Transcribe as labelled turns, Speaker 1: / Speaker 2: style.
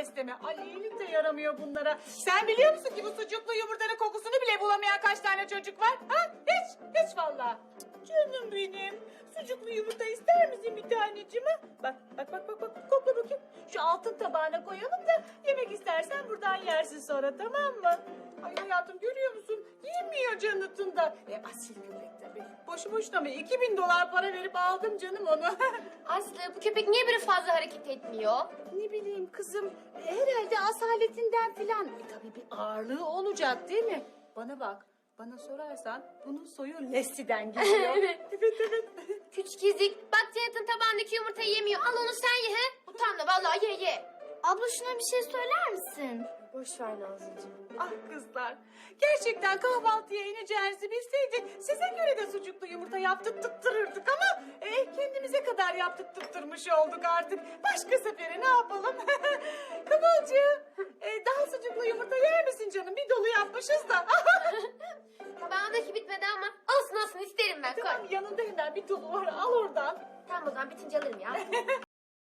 Speaker 1: besleme. Ay iyilik de yaramıyor bunlara. Sen biliyor musun ki bu sucuklu yumurtanın kokusunu bile bulamayan kaç tane çocuk var? Ha? Hiç vallahi. Canım benim. Sucuklu yumurta ister misin bir taneciğim? Ha? Bak. Kokla bakayım. Şu altın tabağına koyalım da yemek istersen buradan yersin sonra, tamam mı? Ay hayatım, görüyor musun? Yemiyor Canıt'ın da. Asil köpek tabii. Boşu boşuna mı? $2000 para verip aldım canım onu.
Speaker 2: Aslı bu köpek niye böyle fazla hareket etmiyor?
Speaker 1: Ne bileyim kızım. Herhalde asaletinden filan. Tabii bir ağırlığı olacak değil mi? Bana bak. Bana sorarsan bunun soyu Leslie'den geliyor.
Speaker 2: Evet.
Speaker 1: evet.
Speaker 2: Küçük ezik. Bak Canet'in tabağındaki yumurtayı yemiyor. Al onu sen ye he. Utanma vallahi ye. Abla şuna bir şey söyler misin? Boş ver Nazlıcığım.
Speaker 1: Ah kızlar. Gerçekten kahvaltıya ineceğinizi bilseydik size göre de sucuklu yumurta yaptırtırırdık ama kendimize kadar yaptırtmış olduk artık. Başka sefere ne yapalım? Kıvılcım, daha sucuklu yumurta yer misin canım? Bir dolu yapmışız da.
Speaker 2: Tabağındaki bitmedi ama olsun isterim ben.
Speaker 1: Tamam,
Speaker 2: Koy.
Speaker 1: yanında hemen bir dolu var, al oradan.
Speaker 2: Tamam o zaman bitince alırım ya.